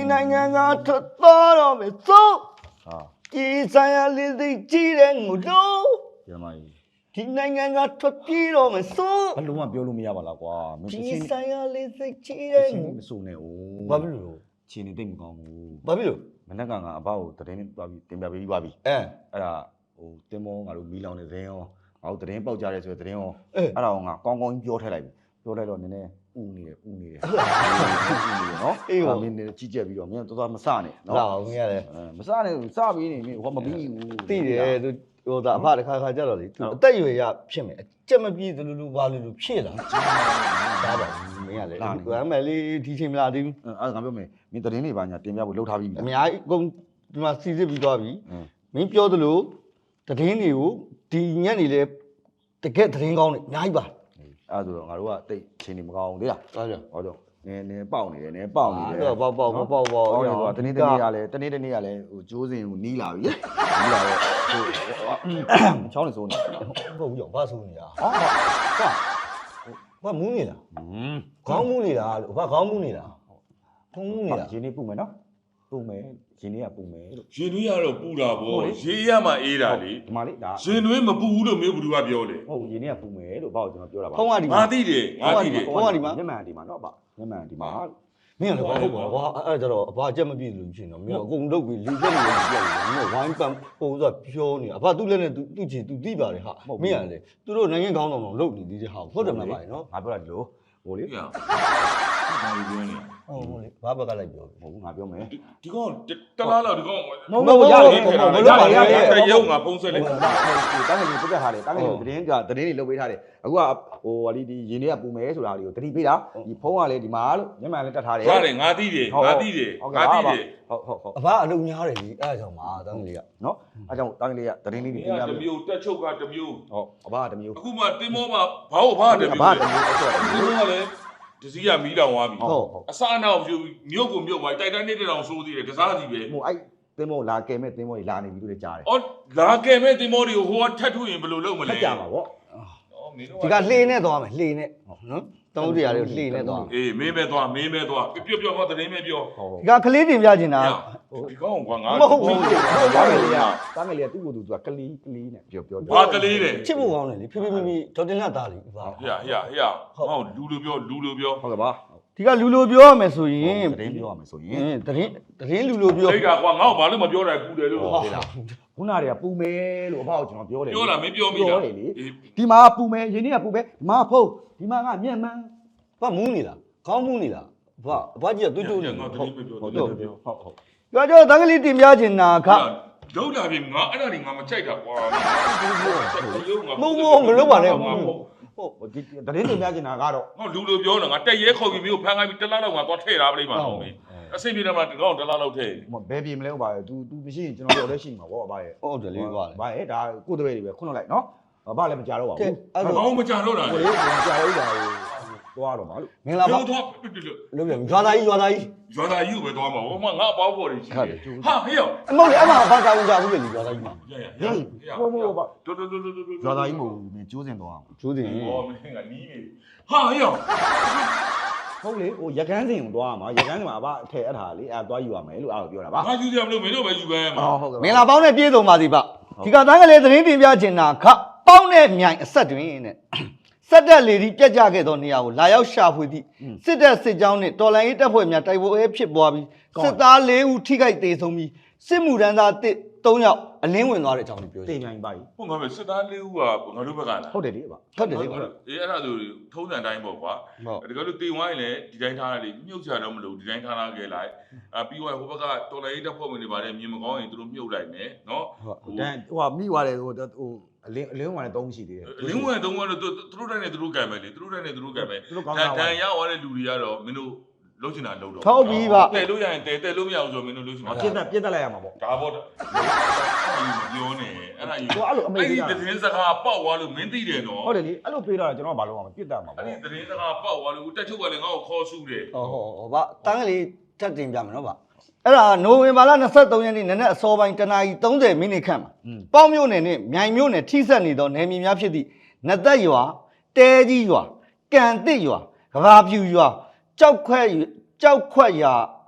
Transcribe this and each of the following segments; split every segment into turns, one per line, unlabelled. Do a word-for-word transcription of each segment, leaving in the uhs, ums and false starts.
နိုင်ငံကထွက်သွားတော့မယ်သို့ဟာဒီဆိုင်ရာလေးသိကြည့်တဲ့ငိုတော့ရမကြီးဒီနိုင်ငံကထွက်ပြေးတော့မယ်သို့ဘလုံးဝပြောလို့မရပါလားကွာဒီဆိုင်ရာလေးသိကြည့်တဲ့ငိုမစိုးနဲ့哦ဘာဖြစ်လို့ခြေနေတိတ်မကောင်းဘူးဘာဖြစ်လို့မနက်ကငါအဘကိုတရင်သွားပြီးတင်ပြပေးသွားပြီအဲအဲ့ဒါဟိုတင်မောငါတို့မီလောင်နေစင်းရောငါတို့တရင်ပေါက်ကြရဲဆိုတဲ့တရင်ရောအဲ့ဒါကိုငါကောင်းကောင်းပြောထည့်လိုက်ပြီပြောလိုက်တော့နည်းနည်းဥနေတယ်ဥနေတယ်နော်အေးဟောမင်းနေကြီးကြက်ပြီးတော့မင်းတော်တော်မစနဲ့နော်ဟုတ်မရတယ်မစနဲ့စပြီးနေမင်းဟောမပြီးဘူးသိတယ်သူဟိုဒါအဖတစ်ခါခါကြတော့လေသူအသက်အရွယ်ရဖြစ်မယ်အကြက်မပြေသလိုလိုဘာလိုလိုဖြစ်လာဒါပါမင်းကလေဒီအမယ်လေးဒီချိန်မလားသေးဘူးအဲ့ဒါငါပြောမယ်မင်းတရင်တွေပါညာတင်ပြဖို့လှုပ်ထားပြီးအများကြီးအကုန်ဒီမှာစီစစ်ပြီးသွားပြီမင်းပြောသလိုတရင်တွေကိုဒီညက်နေလေတကက်တရင်ကောင်းနေအများကြီးပါအဲ့ဒါဆိုတော့ငါတို့ကတိတ်ချိန်နေမကောင်းဘူးလေလားဟုတ်ကြဟောတော့နည်းနည်းပေါက်နေတယ်နည်းပေါက်နေတယ်ပေါက်ပေါက်ပေါက်ပေါက်ပေါက်အဲ့ဒါတနေ့တနေ့ကလည်းတနေ့တနေ့ကလည်းဟိုကျိုးစင်ကိုနီးလာပြီနီးလာတော့ဟိုချောင်းနေစိုးနေဟုတ်ဘူးရောဘာစိုးနေတာဟာဟာဘာမူးနေလားခေါင်းမူးနေတာဘာခေါင်းမူးနေတာခေါင်းမူးနေတာရင်းနေပူမယ်နော်ပူမယ်ရင်တွေကပူမယ်လို့
ရင်တွေကတော့ပူတာပေါ့ရေးရမှအေးတာလေ
ဒီမှာလေဒါ
ရင်တွေမပူဘူးလို့မျိုးဘသူကပြောလေ
ဟုတ်ရင်တွေကပူမယ်လို့ဘာလို့ကျွန်တော်ပြောတာပါဖုန်းကဒီမှာ
ငါသိတယ်ငါသိတယ်
ဖုန်းကဒီမှာမျက်မှန်ဒီမှာနော်ဗျမျက်မှန်ဒီမှာမင်းကလည်းဘာဟုတ်ပါဘာအဲ့ဒါကြတော့အဘအချက်မပြည့်လို့ဖြစ်နေတော့မင်းအကုန်လုတ်ပြီးလူချက်နေလို့ပြည့်တယ်မင်းဝိုင်းပန်ဟိုဆိုပြောနေအဘသူ့လက်နဲ့သူသူ့ချီသူသိပါတယ်ဟာမင်းကလည်းသူတို့နိုင်ငံကောင်းတော်တော်လုတ်နေသေးတယ်ဟာဟုတ်တယ်မလားဗျနော်ငါပြောတာဒီလိုဟိုလေ
ဘာလို့ပြောနေ
ဟုတ်ဟုတ်လေဘာဘက်ကလိုက်ပြောမဟုတ်ဘူးငါပြောမယ်
ဒီကောင်တလားလောက်ဒီကောင်
မဟုတ်ရတယ်မလုပ်ပါနဲ့
တရုံငါဖုန်းဆက်လိုက်
တာတားငယ်လေးပြတ်ထားတယ်တားငယ်လေးသတင်းကသတင်းတွေလုပ်ပေးထားတယ်အခုကဟိုဟာဒီဒီရင်းတွေကပူမယ်ဆိုတာလေးကိုတတိပေးတာဒီဖုန်းကလည်းဒီမှာလို့မျက်မှန်လည်းတက်ထားတယ်
ဟုတ်တယ်ငါသိတယ်ငါသိတယ်ငါသိတယ်
ဟုတ်ဟုတ်ဟုတ်အဘအလုံများတယ်လေအဲ့ဒါကြောင့်ပါတားငယ်လေးကနော်အဲ့ကြောင့်တားငယ်လေးကသတင်းလေးတွေ
တင်ပြမယ်တမျိုးတက်ချုပ်ကတမျိုး
ဟုတ်အဘကတမျိုး
အခုမှတင်မောမှာဘာဟုတ်ဘာတမျိုး
အဘတမျိုးအဲ့တော့
ဒီကလည်းတစည်းကမီးလောင်သွားပြီဟုတ်အစအနောက်မြုပ်ကိုမြုပ်သွားတိုက်တန်းနေတဲ့တောင်ဆိုးသေးတယ်တစားစီပဲ
ဟိုအဲ့သင်းမောလာကဲမဲ့သင်းမောကြီးလာနေပြီလို့လည်းကြားတယ်
အော်လာကဲမဲ့သင်းမောတွေကိုဟိုကထတ်ထုရင်ဘယ်လိုလုပ်မလဲ
ထတ်ကြပါဗောဒီကလှေနဲ့သွားမယ်လှေနဲ့နော်တောင်းတရားတွေကိုလှေနဲ့သွား
အေးမင်းပဲသွားမင်းပဲသွားပြောပြောဟောသတင်းပဲပြော
ဒီကကလေးတင်ပြချင်တာ
ဒီကောင်ကွာငါ
မဟုတ်ဘူးတားငယ်လေးကတားငယ်လေးကသူ့ကိုယ်သူကကလေးကလေးနဲ့ပြောပြော
ဘာကလေးလဲ
ချစ်ဖို့ကောင်းတယ်လေဖေဖေမေမေဒေါက်တင်လာသားလေး
ပါဟရဟရဟရဟောလူလိုပြောလူလိုပြော
ဟုတ်ကဲ့ပါဒီကလူလိုပြောရမယ်ဆိုရင်သတင်းပြောရမယ်ဆိုရင်သတင်းသတင်းလူလိုပြော
အဲ့ဒါကွာငါ့ကိုဘာလို့မပြောတာပူတယ်လို့
ဟုတ်လားခုနတွေကပူမယ်လို့အဖေကကျွန်တော်ပြောတယ်
ပြောတာမင်းပြောမိတာ
ဒီမှာပူမယ်ရင်းနှီးကပူမယ်မဖုတ်ဒီမှာကမျက်မှန်ဘာမူးနေလားခေါင်းမူးနေလားဘာအဘကြီးကတွတ်တွတ်နေ
ဟုတ်ဟုတ်ဟုတ်ဟုတ်
ဟုတ်ပြောကြတန်းကလေးတင်ပြချင်တာခ
ဒုတ်လာပြီငါအဲ့ဒါတွေငါမကြိုက်တာကွာ
မုံမုံမလုပ်ပါနဲ့ဟုတ်ဒီတရင်တင်ပြချင်တာကတော့
ငါလူလိုပြောနေတာငါတက်ရဲခေါ်ပြီးမျိုးဖမ်းခိုင်းပြီးတစ်လားလောက်ငါသွားထည့်ထားပလိမ့်မှာဟုတ်ပြီအစိမ့်ပြေတယ်မှာဒီကောင်တစ်လားလောက်ထည့်
ဘယ်ပြေမလဲဟုတ်ပါရဲ့ तू तू မရှိရင်ကျွန်တော်ပြောလဲရှိမှာဗောအဘရဲ့ဟုတ်တယ်လေဗာဗာရဲ့ဒါကိုယ်တပည့်တွေပဲခွန်းလိုက်နော်ဘာလည်းမကြတော့ပါဘူး
အဲ့ဒါဘာမှမကြတော့တာ
လေမကြတော့တာသွားတော့မှာလို့မင်္ဂလာပါ
သွား
လို့ပြန်ရွာသားကြီးရွာသားကြီး
ရွာသားကြီးကိုပဲသွားမှာဟိုမှာငါအပေါင်းပေါ်နေရှိတယ်ဟာဟေ့ရော
အမဟုတ်လေအမဘာသာဝင်ကြဘူးလေရွာသားကြီးမှာ
ရရရဟိုမို့ပါတော်တော်တော်တော်
ရွာသားကြီးမို့ကျိုးစင်သွားအောင်ကျိုးစင်
ဟောမင်းကနီးနေဟာဟေ့ရော
ဟုတ်လေဟိုရကန်းစင်ကိုသွားမှာရကန်းစင်မှာအဘအထက်အထားလေအဲသွားယူရမယ်လို့အဲ့လိုပြောတာပါ
ငါယူရမလို့မင်းတို့ပဲယူပဲ
မှာဟုတ်ကဲ့မင်္ဂလာပေါင်းနဲ့ပြည့်စုံပါစီဗျဒီကတန်းကလေးသတင်းတင်ပြချင်တာခပေါင်းနဲ့မြိုင်အဆက်တွင်တဲ့စက်တက်လေဒီပြက်ကြခဲ့သောနေရာကိုလာရောက်ရှာဖွေသည့်စစ်တပ်စစ်ကြောင်းနှင့်တော်လှန်ရေးတပ်ဖွဲ့များတိုက်ပွဲဖြစ်ပွားပြီးစစ်သား၄ဦးထိခိုက်ဒေဆုံးပြီးစစ်မှုထမ်းသား၃ယောက်အလင်းဝင်သွားတဲ့အကြောင်းကိုပြော
တင်နိုင်ပါပြီဟုတ်ငါပဲစစ်သား၄ဦးကငါတို့ဘက်ကလား
ဟုတ်တယ်လေပါဟုတ်တယ်လေပါ
အေးအဲ့ဒါဆိုထုံးစံတိုင်းပေါ့ကွာတကယ်လို့တင်ဝိုင်းလည်းဒီတိုင်းထားရတယ်မြုပ်ချတော့မလို့ဒီတိုင်းထားလာခဲ့လိုက်အပြီးတော့ဟိုဘက်ကတော်လှန်ရေးတပ်ဖွဲ့ဝင်တွေပါတယ်မြင်မကောင်းရင်သူတို့မြုပ်လိုက်မယ်နော်
ဟိုတန်းဟိုမိသွားတယ်ဟိုဟိုအလင်းအလင်းဝင်တော့မရှိသေးတယ်
အလင်းဝင်တော့ကတော့သူတို့တိုင်းနဲ့သူတို့ကံပဲလေသူတို့တိုင်းနဲ့သူတို့ကံပဲတန်ရအောင်တဲ့လူတွေကတော့မင်းတို့လုံးချင်တာလုံးတော့
ဟုတ်ပြီပါ
တဲလို့ရရင်တဲတဲလို့မရအောင်ဆိုမင်းတို့လုံးချင်
တာပြစ်တက်ပြစ်တက်လိုက်ရမှာပေါ့
ဒါပေါ့ပြောနေအဲ့ဒါယူအဲ့လိုအမေကြီးအဲ့ဒီသတင်းစကားပေါက်သွားလို့မင်းသိတယ်နော်
ဟုတ်တယ်လေအဲ့လိုပေးတော့ကျွန်တော်ကဘာလုပ်အောင်ပြစ်တက်မှာပေါ့
အဲ့ဒီသတင်းစကားပေါက်သွားလို့တက်ချုပ်ကလည်းငါ့ကိုခေါ်ဆူတယ်
ဟုတ်ဟုတ်ဟုတ်ဗျတန်းကလေးထပ်တင်ပြမယ်နော်ဗျအဲ့ဒါနိုဝင်ဘာလ၂၃ရက်နေ့နနက်အစောပိုင်းတနာရီ၃၀မိနစ်ခန့်မှာပေါင်းမြို့နယ်နဲ့မြိုင်မြို့နယ်ထိစပ်နေသောနယ်မြေများဖြစ်သည့်နသက်ရွာတဲကြီးရွာကံတစ်ရွာကဘာပြူရွာကြောက်ခွက်ကြောက်ခွက်ရွာ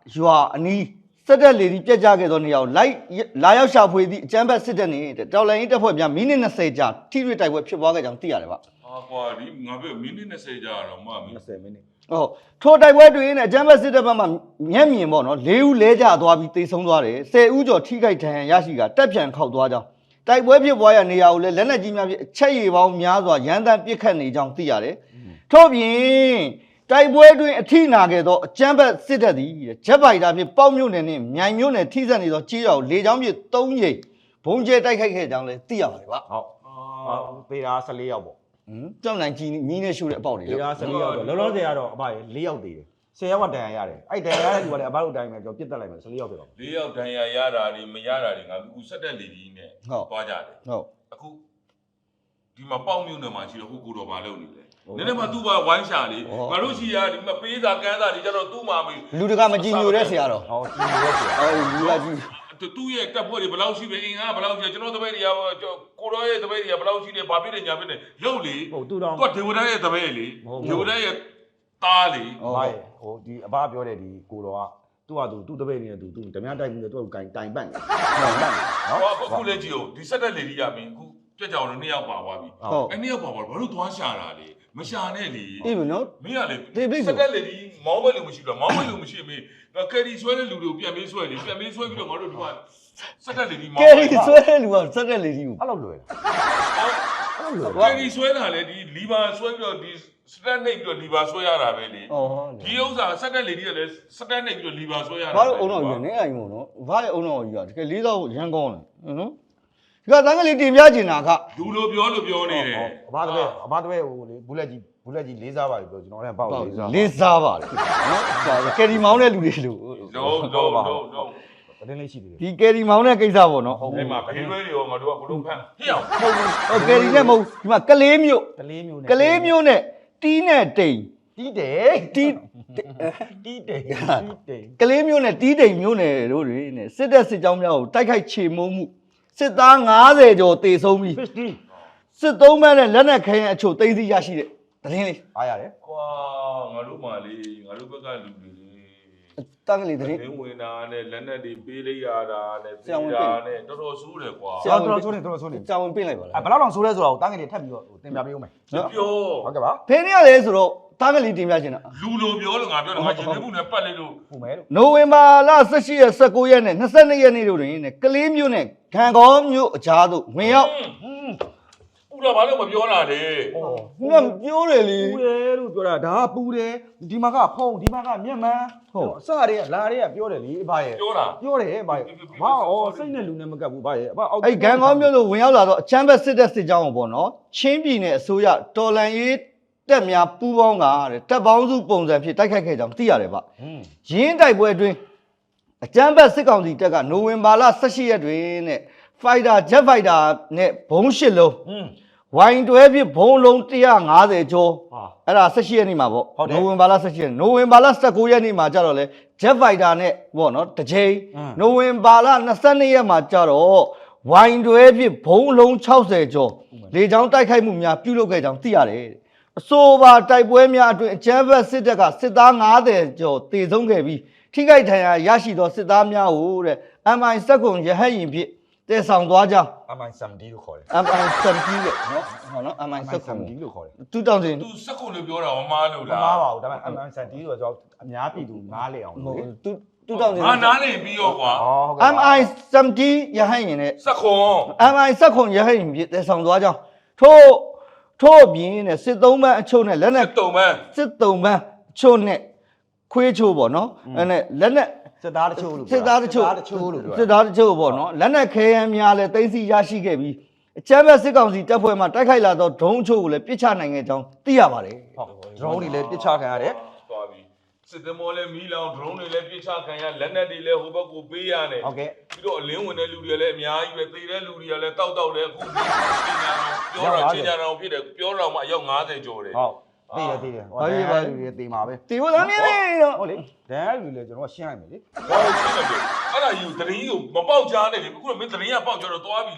ရွာအနီးစစ်တပ်လေဒီပြက်ကြခဲ့သောနေရာကိုလိုက်လာရောက်ရှာဖွေသည့်အကြမ်းဖက်စစ်တပ်နှင့်တော်လှန်ရေးတပ်ဖွဲ့များမိနစ်၂၀ကြာထိတွေ့တိုက်ပွဲဖြစ်ပွားခဲ့ကြောင်းသိရတယ်ဗျ။
ဟာကွာဒီငါပြောမိနစ်၂၀ကြာတော့မှမိနစ်
၂၀မိနစ်
ဟုတ်ထိုတိုက်ပွဲတွင်နဲ့အကြမ်းဖက်စစ်တပ်ဘက်မှမျက်မြင်ပေါ့နော်၄ဦးလဲကျသွားပြီးတိတ်ဆုံးသွားတယ်၁၀ဦးကျော်ထိခိုက်ဒဏ်ရာရရှိကတက်ပြန်ခောက်သွားကြောင်းတိုက်ပွဲဖြစ်ပွားရနေရာကိုလည်းလက်နက်ကြီးများဖြင့်အချက်ရည်ပေါင်းများစွာရန်တမ်းပစ်ခတ်နေကြောင်းသိရတယ်ထို့ပြင်တိုက်ပွဲတွင်အထိနာခဲ့သောအကြမ်းဖက်စစ်တပ်သည်ဂျက်ဖိုက်တာဖြင့်ပေါက်မြို့နယ်နှင့်မြိုင်မြို့နယ်ထိစပ်နေသောကြေးရွာကိုလေကြောင်းဖြင့်၃ရိပ်ဘုံကျဲတိုက်ခိုက်ခဲ့ကြောင်းလည်းသိရပါတယ်ဗျ
ဟုတ်ဟုတ်ပေတာ၁၄ယောက်ပေါ့
ဟမ်ကြောက်နိုင်ကြီးညီးနဲ့ရှုတဲ့အပေါက်တွေ
ပေတာ၁၄ယောက်တော့လောလောဆယ်ကတော့အဘ၄ယောက်သေးတယ်၁၀ယောက်ကတန်ရာရတယ်အဲ့တန်ရာရတဲ့လူကလည်းအဘတို့တိုင်းပဲကျွန်တော်ပြစ်တက်လိုက်မယ်၁၄ယောက်ဖြစ်တော့
၄ယောက်ဒဏ်ရာရတာတွေမရတာတွေငါအခုဆက်တက်လေကြီးနဲ့သွားကြတယ်
ဟုတ်
အခုဒီမှာပေါက်မြို့နယ်မှာရှိတော့ဟိုကိုတော်ဘာလုပ်နေလဲနည်းနည်းမှသူ့ဘာဝိုင်းရှာလေငါတို့ရှိရဒီမှာပေးစာကမ်းစာတွေကျတော့သူ့မှာမေး
လူတကမကြည်ညိုတဲ့ဆရာတော်
ဟောကြည့်ရဲဆရာ
အော်လူကကြီး
သူ့ရဲ့တပ်ဖွဲ့တွေဘယ်လောက်ရှိပဲအင်အားဘယ်လောက်ရှိကျွန်တော်တပည့်တွေကကိုတော်ရဲ့တပည့်တွေကဘယ်လောက်ရှိတယ်ဘာဖြစ်နေညာဖြစ်နေလှုပ်လေ
ဟုတ်သူတော့
သူကဒေဝဒရဲ့တပည့်လေဒေဝဒရဲ့သားလေ
အဘဟိုဒီအဘပြောတဲ့ဒီကိုတော်ကသူ့ဟာသူသူ့တပည့်နေသူသူဓမြတိုက်ပြီးတော့သူ့ကိုတိုင်တိုင်ပတ်နေတိုင်ပတ်နေနော်
ဟောအခုလည်းကြည့်ဦးဒီဆက်တက်လေကြီးရမင်းအခုကြက်ကြောင်တို့နှစ်ယောက်ပါသွားပြီအဲ့နှစ်ယောက်ပါသွားဘာလို့သွားရှာတာလေမရှာနဲ့လေ
အေးဘနော်
မင်းကလေဆက်တက်လေကြီးမောင်းဘက်လူမရှိဘူးမောင်းဘက်လူမရှိမင်းငါကယ်ရီဆွဲတဲ့လူတွေကိုပြန်ပေးဆွဲလေပြန်ပေးဆွဲပြီးတော့ငါတို့ဒီကဆက်တက်လေကြီးမောင်း
ကယ်ရီဆွဲတဲ့လူကစက်တဲ့လေကြီးကို
အဲ့လိုလွယ်အဲ့လိုလွယ်
ကယ်ရီဆွဲတာလေဒီလီဗာဆွဲပြီးတော့ဒီစတက်နှိပ်ပြီးတော့လီဗာဆွဲရတာပဲလေ
ဩဟုတ်
ဒီဥစ္စာဆက်တက်လေကြီးကလည်းစတက်နှိပ်ပြီးတော့လီဗာဆွဲရတာ
ဘာလို့အုံတော်ကြီးနေအိမ်မို့နော်ဘာလဲအုံတော်ကြီးကတကယ်လေးတော့ရန်ကောင်းတယ်နော်ဒီကတန်းကလေးတင်ပြကျင်တာက
လူလိုပြောလို့ပြောနေတယ်
အဘတပည့်အဘတပည့်ဟိုလေဘူးလက်ကြီးဘူးလက်ကြီးလေးစားပါလေပြောကျွန်တော်လည်းပေါ့လေးစား
လေးစားပါလေနော်ကယ်ရီမောင်းတဲ့လူတွေလို့
လုံးလုံးလုံးလုံး
တင်းလေးရှိသေးတယ်
ဒီကယ်ရီမောင်းတဲ့ကိစ္စပေါ့နော်
အဲ့မှာဖေးလွဲတွေရောငါတို့ကဘလို့ဖမ်းဟေ့အောင်
ဟုတ်ကယ်ရီနဲ့မဟုတ်ဒီမှာကလေးမျိုး
ကလေးမျိုးနဲ့
ကလေးမျိုးနဲ့တီးနဲ့တိမ်
တီးတယ်
တီး
တီးတယ်တီးတယ်
ကလေးမျိုးနဲ့တီးတိမ်မျိုးနဲ့တို့တွေနဲ့စစ်တပ်စစ်ကြောင်းများကိုတိုက်ခိုက်ချေမှုန်းမှုစစ်သား၅၀ကျော်တေဆုံးပြီး
fifty
စစ်သုံးမဲ့နဲ့လက်နက်ခဲယမ်းအချို့သိမ်းဆည်းရရှိတဲ့သတင်းလေး
အားရတယ်
ကွာငါတို့မှလေငါတို့ဘက်ကလူတွေလေ
တန်းကလေးသတင်း
လင်းဝင်တာနဲ့လက်နက်တွေပေးလိုက်ရတာနဲ့ပေးတာနဲ့တော်တော်ဆိုးတယ်ကွာ
ဆရာ
တော်တော်ဆိုးနေတော်တော်ဆိုးနေ
ကြောင်ဝင်ပြင်လိုက်ပါလား
အဲဘယ်လောက်တောင်ဆိုးလဲဆိုတော့တန်းငယ်လေးထပ်ပြီးတော့တင်ပြပေးဦးမယ်
ပြော
ဟုတ်ကဲ့ပါ
ဖင်းရလေဆိုတော့တန်းကလေးတင်ပြချင်တာ
လူလိုပြောလို့ငါပြောတယ်ငါရှင်နေမှုနဲ့ပတ်လိုက်လို့
ဟုတ်မယ်လို့
နိုဝင်ဘာလ၁၈ရက်၁၉ရက်နဲ့၂၂ရက်နေ့တို့တွင်နဲ့ကလေးမျိုးနဲ့ခံကောင်းမျိုးအကြားသို့ဝင်ရောက်
ဥလာဘာလို့မပြောတာလေ
ဟော
ခုနပြောတယ်လေ
ပူတယ်လို့ပြောတာဒါကပူတယ်ဒီမှာကဖုံဒီမှာကမျက်မှန်ဟုတ်အစတွေကလာတွေကပြောတယ်လေအဘရဲ့
ပြောတာ
ပြောတယ်အဘရဲ့ဘာဩစိတ်နဲ့လူနဲ့မကပ်ဘူးအဘရဲ့အဘအောက်
အဲ့ခံကောင်းမျိုးတို့ဝင်ရောက်လာတော့အချမ်းဘက်စစ်တပ်စစ်ကြောင်းကိုပေါ့နော်ချင်းပြည်နယ်အစိုးရတော်လန်ရေးတက်များပူးပေါင်းကတဲ့တပ်ပေါင်းစုပုံစံဖြစ်တိုက်ခိုက်ခဲ့ကြောင်းသိရတယ်ဗျ
ဟွန်း
ရင်းတိုက်ပွဲအတွင်းအကြမ်းဖက်စစ်ကောင်စီတပ်ကနိုဝင်ဘာလ၁၈ရက်တွင်နဲ့ဖိုက်တာဂျက်ဖိုက်တာနဲ့ဘုံရှစ်လုံး
ဟွန်း
ဝိုင်တွဲဖြစ်ဘုံလုံး၁၅၀ကျော်
ဟာ
အဲ့ဒါ၁၈ရက်နေ့မှာပေါ့
ဟုတ်တယ်
နိုဝင်ဘာလ၁၈ရက်နိုဝင်ဘာလ၁၉ရက်နေ့မှာကြတော့လေဂျက်ဖိုက်တာနဲ့ပေါ့နော်တစ်ချိန်
အင်း
နိုဝင်ဘာလ၂၂ရက်မှာကြတော့ဝိုင်တွဲဖြစ်ဘုံလုံး၆၀ကျော်လေကြောင်းတိုက်ခိုက်မှုများပြုလုပ်ခဲ့ကြောင်းသိရတယ်အဆိုပါတိုက်ပွဲများအတွင်းအကြမ်းဖက်စစ်တပ်ကစစ်သား၅၀ကျော်တေဆုံးခဲ့ပြီးထိခိုက်ဒဏ်ရာရရှိသောစစ်သားများကိုတဲ့ M I စက်ကွန်ရဟတ်ရင်ဖြင့်တည်ဆောင်သွားကြောင်း
အမိုင်ဆမ်ဒီလို့ခေါ်တယ်
M I စက်ကြီးလေနော်ဟောနော် M I စက်ကွန်
ဒီလို့ခေါ်တယ်
တူတောင်းစင်
သူစက်ကုန်လို့ပြောတာမမားလို့
မ
လား
မားပါဘူးဒါပေမဲ့အမိုင်ဆမ်ဒီဆိုတော့အများပြည်သူနားလေအောင်
ဟို
လို့လေ
တူတူတောင်းစင်
ငါနားနေပြီးရောကွာ
ဟောဟုတ်ကဲ့
M I စက်ကြီးရဟတ်ရင်နဲ့
စက်ခွန်
M I စက်ကွန်ရဟတ်ရင်ဖြင့်တည်ဆောင်သွားကြောင်းထို့ထို့ပြင်နဲ့စစ်သုံးပန်းအချို့နဲ့လက်နက်
တုံမန်း
စစ်သုံးပန်းအချို့နဲ့ခွေးချို့ပေါ့နော်အဲ့နဲ့လက်နက်
စစ်သားတချို့လို့
စစ်သားတချို့
တချို့လို့ပြော
စစ်သားတချို့ပေါ့နော်လက်နက်ခဲယမ်းများလည်းသိမ်းဆည်းရရှိခဲ့ပြီးအကြမ်းဖက်စစ်ကောင်စီတပ်ဖွဲ့မှတိုက်ခိုက်လာသောဒုံးအချို့ကိုလည်းပစ်ချနိုင်ခဲ့ကြောင်းသိရပါတယ်
ဟုတ်ဒရုန်းတွေလည်းပစ်ချခံရတယ်
သွားပြီစစ်သမောလည်းမီးလောင် drone တွေလည်းပြစ်ချခံရလက်နက်တွေလည်းဟိုဘက်ကိုပေးရတယ်
ဟုတ်ကဲ့
ပြီးတော့အလင်းဝင်တဲ့လူတွေလည်းအများကြီးပဲသေတဲ့လူတွေကလည်းတောက်တောက်လည်းအခုပြောတော့ချင်းကြတော့ဖြစ်တယ်ပြောတော့မှအယောက်၅၀ကျော်တယ်
ဟုတ်သိတယ်သိတယ်ဟောတယ်ပါလူတွေသိမှာပဲ
တီဝသမီးလေးတော့
ဟုတ်လေဒန်လူတွေလည်းကျွန်တော်ရှင်းလိုက်မယ်လေ
ဘာလို့ရှင်းလဲအဲ့ဒါယူတရင်ကိုမပေါက်ကြားနဲ့လေအခုတော့မင်းတရင်ကပေါက်ကြတော့သွားပြီလေ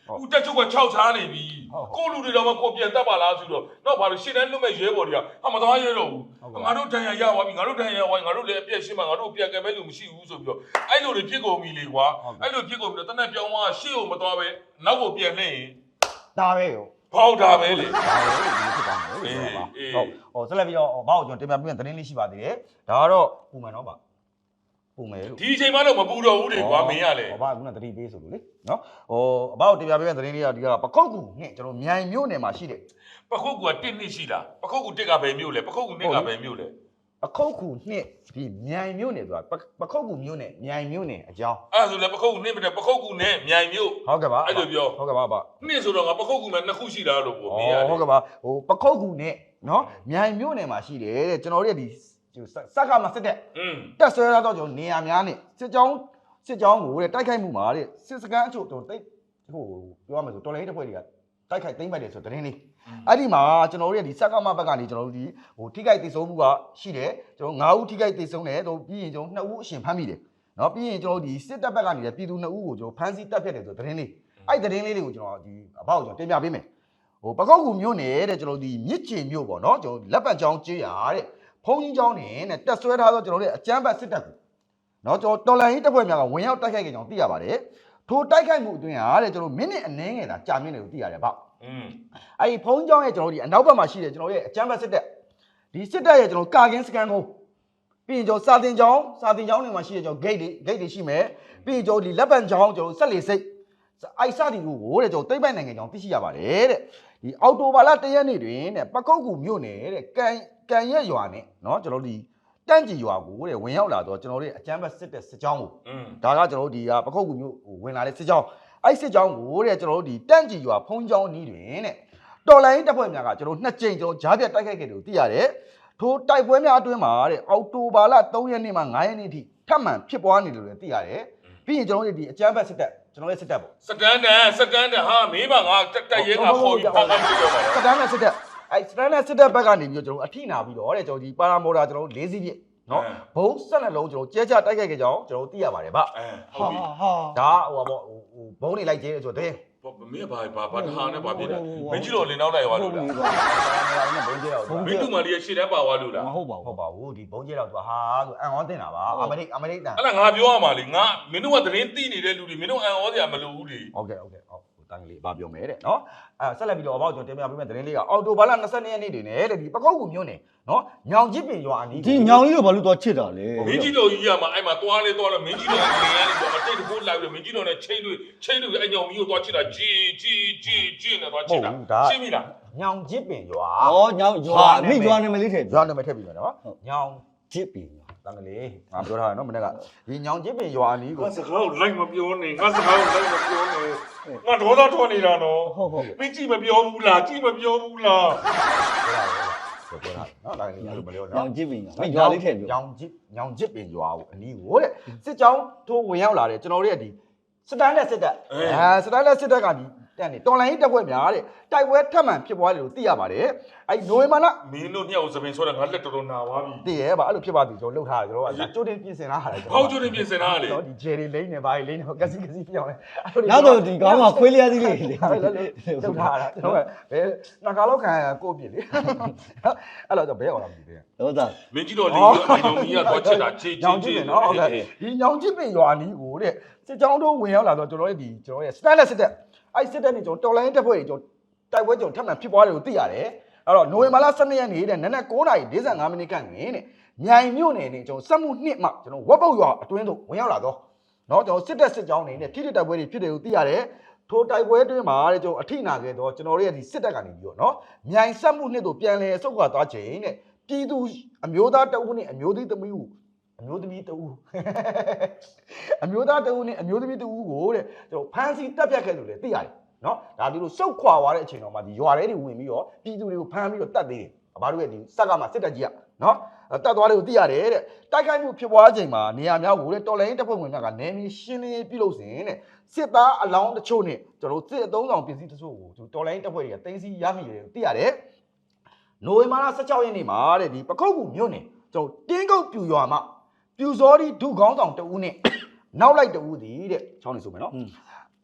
ဦးတက်ချုပ်ကခြောက်ချားနေပြီကိုလူတွေတော့မကိုပြန်တတ်ပါလားဆိုတော့တော့ဘာလို့ရှင်းတန်းလွတ်မဲ့ရဲဘော်တွေကဟာမသွားရဲတော့ဘူးငါတို့တန်ရရသွားပြီငါတို့တန်ရရသွားငါတို့လည်းအပြည့်ရှင်းမှာငါတို့ပြန်ကဲမဲ့လူမရှိဘူးဆိုပြီးတော့အဲ့လိုတွေဖြစ်ကုန်ပြီလေကွာအဲ့လိုဖြစ်ကုန်ပြီးတော့တနက်ပြောင်းသွားရှေ့ကိုမသွားပဲနောက်ကိုပြန်လှည့်ရင်
ဒါပဲရော
ပေါက်တာပဲလေ
ဒါပဲဒီဖြစ်သွားမယ်လို့ပြောပါဟုတ်ဟိုဆက်လက်ပြီးတော့ဘာကိုကျွန်တော်တင်ပြပြသတင်းလေးရှိပါသေးတယ်ဒါကတော့ပုံမှန်တော့ပါပုံမယ်လို့
ဒီအချိန်မှတော့မပူတော့ဘူးလေကွာမင်းရလေ
ဟောဘာကတတိပေးဆိုလို့လေနော်ဟိုအဘောက်တင်ပြပြသတင်းလေးကဒီကပခုတ်ကူနဲ့ကျွန်တော်မြိုင်မြို့နယ်မှာရှိတယ်
ပခုတ်ကူကတစ်နှစ်ရှိလားပခုတ်ကူတစ်ကပဲမြို့လေပခုတ်ကူနှစ်ကပဲမြို့လေ
အခုတ်ကူနှစ်ဒီမြိုင်မြို့နယ်ဆိုတာပခုတ်ကူမြို့နယ်မြိုင်မြို့နယ်အကြောင်း
အဲ့ဒါဆိုလည်းပခုတ်ကူနှစ်မတဲ့ပခုတ်ကူနဲ့မြိုင်မြို့
ဟုတ်ကဲ့ပါ
အဲ့လိုပြော
ဟုတ်ကဲ့ပါဗျ
နှစ်ဆိုတော့ငါပခုတ်ကူမှာနှစ်ခုရှိတာလို့ပေါ့မင်းရလေ
ဟုတ်ကဲ့ပါဟိုပခုတ်ကူနဲ့နော်မြိုင်မြို့နယ်မှာရှိတယ်တဲ့ကျွန်တော်တို့ဒီစက်ကမှာစစ်တဲ့
อืม
တက်ဆွဲရတော့ကျွန်တော်နေရာများနဲ့စစ်ကြောင်းစစ်ကြောင်းကိုတဲ့တိုက်ခိုက်မှုမှာတဲ့စစ်စကန်အချို့ကျွန်တော်တိတ်ဟိုပြောရမယ်ဆိုတော်လိုင်းတစ်ဖွဲ့တွေကတိုက်ခိုက်သိမ်းပိုက်တယ်ဆိုတဲ့တင်းလေးအဲ့ဒီမှာကျွန်တော်တို့ရဲ့ဒီစက်ကမဘက်ကနေကျွန်တော်တို့ဒီဟိုထိခိုက်သိဆုံးမှုကရှိတယ်ကျွန်တော်၅ဦးထိခိုက်သိဆုံးတယ်တော့ပြီးရင်ကျွန်တော်၂ဦးအရှင်ဖမ်းမိတယ်နော်ပြီးရင်ကျွန်တော်တို့ဒီစစ်တပ်ဘက်ကနေလည်းပြည်သူ၂ဦးကိုကျွန်တော်ဖမ်းဆီးတပ်ဖြတ်တယ်ဆိုတဲ့တင်းလေးအဲ့ဒီတင်းလေးတွေကိုကျွန်တော်ဒီအဘောက်ကျွန်တော်တင်ပြပေးမယ်ဟိုပကောက်ကူမြို့နယ်တဲ့ကျွန်တော်ဒီမြစ်ချင်မြို့ပေါ့နော်ကျွန်တော်လက်ပတ်ချောင်းကျေးရတဲ့ဖုံးကြီးချောင်းနေနဲ့တက်ဆွဲထားသောကျွန်တော်တို့အကြမ်းဖက်စစ်တပ်ကိုနော်ကျွန်တော်တော်လန်ရေးတပ်ဖွဲ့များကဝင်ရောက်တိုက်ခိုက်ကြကြောင်းသိရပါတယ်ထိုတိုက်ခိုက်မှုအတွင်းဟာတဲ့ကျွန်တော်မိနစ်အနည်းငယ်သာကြာမြင့်တယ်လို့သိရတယ်ဗျอืมအဲ့ဒီဖုံးကြောင်းရဲ့ကျွန်တော်ဒီအနောက်ဘက်မှာရှိတယ်ကျွန်တော်ရဲ့အကြမ်းဖက်စစ်တပ်ဒီစစ်တပ်ရဲ့ကျွန်တော်ကာကင်းစကန်ကုန်းပြီးရင်ကျွန်တော်စာတင်ကြောင်းစာတင်ကြောင်းတွေမှာရှိတယ်ကျွန်တော် gate တွေ gate တွေရှိမယ်ပြီးရင်ကျွန်တော်ဒီလက်ပံကြောင်းကျွန်တော်ဆက်လေစိတ်အဲ့စသည်ကိုတဲ့ကျွန်တော်သိမ့်ပိုင်နိုင်ငံကြောင်းသိရှိရပါတယ်တဲ့ဒီအော်တိုဘာလတရက်နေ့တွင်တဲ့ပကုတ်ကူမြို့နယ်တဲ့ကန်ကန်ရက်ရွာနဲ့เนาะကျွန်တော်ဒီတန့်ကြီးရွာကိုတဲ့ဝင်ရောက်လာတော့ကျွန်တော်တို့အကြမ်းဖက်စစ်တပ်စစ်ကြောင်းကိုဒါကကျွန်တော်တို့ဒီပကုတ်ကူမြို့ဝင်လာတဲ့စစ်ကြောင်းအဲ့စစ်ကြောင်းကိုတဲ့ကျွန်တော်တို့ဒီတန့်ကြီးရွာဖုံးကြောင်းနီးတွင်တဲ့တော်လိုင်းတပ်ဖွဲ့များကကျွန်တော်နှစ်ကြိမ်ကျွန်တော်ဂျားပြတ်တိုက်ခိုက်ခဲ့တယ်လို့သိရတယ်ထိုတိုက်ပွဲများအတွင်းမှာတဲ့အော်တိုဘာလ၃ရက်နေ့မှ၅ရက်နေ့ထိထပ်မံဖြစ်ပွားနေတယ်လို့သိရတယ်ပြီးရင်ကျွန်တော်တို့ဒီအကြမ်းဖက်စစ်တပ်ကျွန်တော်ရဲ့စစ်တပ်ပေါ့
စကန်တန်စကန်တန်ဟာမင်းပါငါတက်တက်ရဲငါခေါ်ပြီးဖမ်းခိုင်းပြီးတော့ပါ
စစ်တပ်နဲ့စစ်တပ်အဲ့စစ်တပ်နဲ့စစ်တပ်ဘက်ကနေပြီးတော့ကျွန်တော်အထိနာပြီးတော့တဲ့ကျွန်တော်ဒီပါရာမော်တာကျွန်တော်၄စီးပြည့်နော်ဘုံဆက်လက်လုံးကျွန်တော်ကျဲချတိုက်ခိုက်ကြကြောင်းကျွန်တော်သိရပါတယ်ဗျ
အဲဟုတ်ပြီ
ဟာဒါဟိုပါပေါ့ဟိုဘုံနေလိုက်ကျဲဆိုတော့တဲ့
မင်းဘာဘာဘာတဟာနဲ့ဘာဖြစ်လဲမင်းကြီးတော်လင်းနောက်လိုက်သွားလို့လား
ဘုံကျဲတော့
မင်းတူမလေးရဲ့ရှေ့တန်းပါသွားလို့လား
မဟုတ်ပါဘူး
ဟုတ်ပါဘူးဒီဘုံကျဲတော့သူဟာဆိုအန်ဟောတင်တာပါအမေရိအမေရိတန်
အဲ့ဒါငါပြောရမှာလေငါမင်းတို့ကသတင်းသိနေတဲ့လူတွေမင်းတို့အံဩစရာမလိုဘူးလေ
ဟုတ်ကဲ့ဟုတ်ကဲ့ဟုတ်တန်းကလေးဘာပြောမယ်တဲ့နော်အဲဆက်လက်ပြီးတော့အဘောက်ကျွန်တော်တင်ပြပေးမယ့်သတင်းလေးကအော်တိုဘာလ၂၂ရက်နေ့တွင်လေတဲ့ဒီပကောက်ကူမြို့နယ်နော်ညောင်ကြီးပင်ရွာအနီး
ဒီညောင်ကြီးတို့ဘာလို့တော့ချစ်တာလဲ
မင်းကြီးတော်ကြီးကမှအဲ့မှာသွားလေသွားလေမင်းကြီးတော်ကလင်းရနေတော့အတိတ်တကူလိုက်ပြီးမင်းကြီးတော်နဲ့ချိန်တွေချိန်တွေအဲ့ညောင်မီကိုသွားချစ်တာဂျီဂျီဂျီဂျီနဲ့သွားချစ်တာရှင်းပြီလား
ညောင်ကြီးပင်ရွာ
ဩညောင်ရွာမိရွာနာမည်လေးထည့်
ရွာနာမည်ထည့်ပြီးမယ်နော်ညောင်
ချစ်ပြီ
တန်းကလေးငါပြောထားတယ်နော်မနေ့ကဒီညောင်ကြီးပင်ရွာအနီးကို
ငါစကားကိုလိုက်မပြောနဲ့ငါစကားကိုလိုက်မပြောနဲ့ငါဒေါသထွက်နေတာနော်
ဟုတ်ဟုတ်
မင်းကြည့်မပြောဘူးလားကြည့်မပြောဘူးလား
ပြောတာနော်ဒါကလေးအဲ့လိုမပြော
ညော
နော်
င်ချစ်ပြီမိရွာလေးထည့်ပြော
ညောင်ကြီးညောင်ကြီးပင်ရွာကိုအနီးကိုတဲ့စစ်ကြောင်းထိုးဝင်ရောက်လာတယ်ကျွန်တော်တို့ရဲ့ဒီစစ်တမ်းနဲ့စစ်တပ်အဲစစ်တမ်းနဲ့စစ်တပ်ကဒီတက်နေတော်လိုင်းရေးတပ်ဖွဲ့များတဲ့တိုက်ပွဲထပ်မံဖြစ်ပွားတယ်လို့သိရပါတယ်အဲ့နိုဝင်ဘာလ
မင်းတို့ညောင်စပင်ဆိုတော့ငါလက်တော်တော်နာသွားပြီ
တည်ရဲပါအဲ့လိုဖြစ်ပါသည်ကျွန်တော်လှုပ်ထားတယ်ကျွန်တော်ကကြိုးတင်ပြင်ဆင်လာတာကျွန်
ဖော
တော်
က်ကျွန်းပြင်စင်တာလေ
နော်ဒီဂျယ်ရီလိန်းနေပါလိန်းနေကစီကစီပြောင်းလဲ
နောက်တော့ဒီကောင်းမှာခွေးလျားသီးလေးလေ
လှုပ်ထားတာကျွန်တော်ကဘယ်နှခါလောက်ခံရကိုပြစ်လေအဲ့တော့ဘယ်အောင်လာမသိသေး
ဟုတ်သား
မင်းကြီးတော်လေးကအညောင်ကြီးကသွားချစ်တာချေချေ
ညောင်
ချေ
ကြည့်မယ်နော်ဟုတ်ကဲ့ဒီညောင်ကြည့်ပင်ရွာနီးကိုတဲ့စစ်ကြောင်းတို့ဝင်ရောက်လာတော့ကျွန်တော်ရဲ့ဒီကျွန်တော်ရဲ့ style စစ်တပ်အဲ့စစ်တပ်နဲ့ကျွန်တော်တော်လိုင်းတပ်ဖွဲ့တွေကျွန်တော်တိုက်ပွဲကျွန်တော်ထပ်မံဖြစ်ပွားတယ်လို့သိရတယ်အဲ့တော့နိုဝင်ဘာလ၁၂ရက်နေ့တဲ့နနက်၉နာရီ၄၅မိနစ်ခန့်တွင်တဲ့မြိုင်မြို့နယ်နဲ့ကျွန်တော်စက်မှုနှစ်မှကျွန်တော်ဝက်ပုတ်ရွာအတွင်းသို့ဝင်ရောက်လာတော့เนาะကျွန်တော်စစ်တပ်စစ်ကြောင်းတွေနဲ့ထိထိတိုက်ပွဲတွေဖြစ်တယ်လို့သိရတယ်ထိုတိုက်ပွဲအတွင်းမှာတဲ့ကျွန်တော်အထိနာခဲ့တော့ကျွန်တော်တို့ရဲ့ဒီစစ်တပ်ကနေပြီးတော့เนาะမြိုင်စက်မှုနှစ်တို့ပြန်လဲဆုတ်ခွာသွားခြင်းတဲ့ပြည်သူအမျိုးသားတအုပ်နဲ့အမျိုးသမီးသမီးကိုအမျိုးသမီးတအုပ်အမျိုးသားတအုပ်နဲ့အမျိုးသမီးတအုပ်ကိုတဲ့ကျွန်တော်ဖမ်းဆီးတပ်ဖြတ်ခဲ့လို့လည်းသိရတယ်နော်ဒါဒီလိုစုတ်ခွာသွားတဲ့အချိန်တော့မှဒီရွာထဲတွေဝင်ပြီးတော့ပြည်သူတွေကိုဖမ်းပြီးတော့တတ်သေးတယ်အဘတို့ရဲ့ဒီစက်ကမှစစ်တပ်ကြီးကနော်တတ်သွားတယ်ကိုသိရတယ်တဲ့တိုက်ခိုက်မှုဖြစ်ပွားချိန်မှာနေရာများကိုတဲ့တော်လိုင်းတပ်ဖွဲ့ဝင်များကနေမီရှင်းလင်းပြုလုပ်စဉ်တဲ့စစ်သားအလောင်းတချို့နဲ့ကျွန်တော်စစ်အသုံးဆောင်ပစ္စည်းတချို့ကိုတော်လိုင်းတပ်ဖွဲ့တွေကတင်စီရမိတယ်ကိုသိရတယ်နိုဝင်ဘာလ၁၆ရက်နေ့မှာတဲ့ဒီပခုတ်ကူမြို့နယ်ကျွန်တော်တင်းကုတ်ပြူရွာမှာပြူစောဒီဒုခေါင်းဆောင်တဦးနဲ့နောက်လိုက်တဦးသည်တဲ့ချောင်းနေဆိုမယ်နော်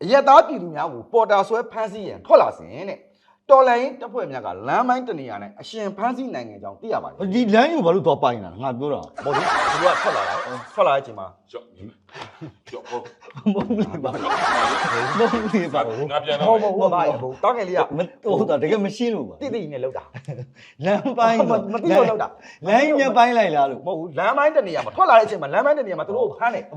ရက်သားပြည်သူများကိုပေါ်တာဆွဲဖမ်းဆီးရန်ထွက်လာစဉ်တဲ့တော်လိုင်းတပ်ဖွဲ့များကလမ်းပိုင်းတနေရာနဲ့အရှင်ဖမ်းဆီးနိုင်ငံကြောင်းသိရပါတယ်
ဒီလမ်းကိုဘာလို့တော့ပိုင်တာငါပြောတာ
ဟုတ်ပြီသူကထွက်လာတာထွက်လာတဲ့အချိန်မှာ
ကြောက်ကြောက်ဟုတ်
မဟုတ်လေပါမဟုတ်လေပါ
ငါပြန်
ဟု
တော့
တ်ဟုတ်ဟုတ်ပါရဲ့ဟုတ်တောင်းငယ်လေးက
မဟုတ်တာတကယ်မရှင်းလို့ပါ
တိတိနဲ့လောက်တာ
လမ်းပိုင်း
မသိလို့လောက်တာ
လမ်းမြပိုင်းလိုက်လားလို့
မဟုတ်ဘူးလမ်းပိုင်းတနေရာမှာထွက်လာတဲ့အချိန်မှာလမ်းပိုင်းတနေရာမှာသူတို့ကိုဖမ်းတယ်
ဘာ